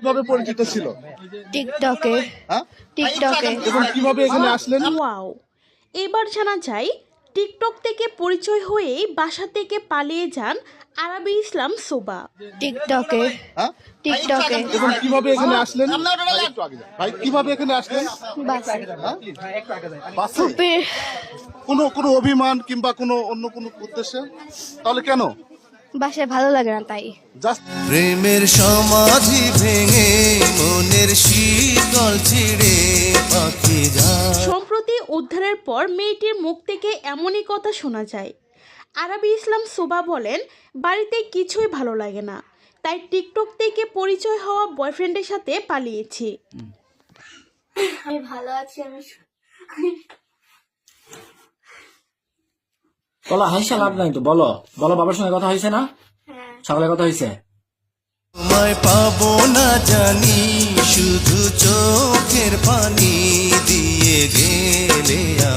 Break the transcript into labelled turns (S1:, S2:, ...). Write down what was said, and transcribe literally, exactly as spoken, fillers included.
S1: কিভাবে পরিচিত ছিল?
S2: টিকটকে।
S1: হ্যাঁ,
S2: টিকটকে।
S1: এবং কিভাবে এখানে আসলেন?
S3: ওয়াও, এবার জানা যায় টিকটক থেকে পরিচয় হয়েই বাসা থেকে পালিয়ে যান আরাবি ইসলাম সোবা।
S2: টিকটকে।
S1: হ্যাঁ,
S2: টিকটকে।
S1: এবং কিভাবে এখানে আসলেন? ভাই, একটু আগে যান। ভাই, কিভাবে এখানে আসলেন?
S2: বাসে।
S1: হ্যাঁ? বাসে?
S2: ফুপির
S1: কোনো কোনো অভিমান কিংবা কোনো অন্য কোনো উদ্দেশ্যে? তাহলে কেন?
S2: বাসায় ভালো লাগে না তাই।
S1: জাস্ট
S4: প্রেমের সমাধি ভেঙে মনের শীতল ছিড়ে পাখি যায়।
S3: সম্প্রতি উদ্ধারের পর মেয়েটির মুখ থেকে এমনই কথা শোনা যায়। আরাবি ইসলাম সোবা বলেন, বাড়িতে কিছুই ভালো লাগে না, তাই টিকটক থেকে পরিচয় হওয়া বয়ফ্রেন্ডের সাথে পালিয়েছি।
S2: আমি ভালো আছি। আমি
S5: বলো হাইসা লাভ নাই তো, বলো বলো বাবার সঙ্গে কথা হয়েছে না? সকালে কথা হয়েছে?
S4: তোমায় পাবো না জানি, শুধু চোখের পানি দিয়ে গেলে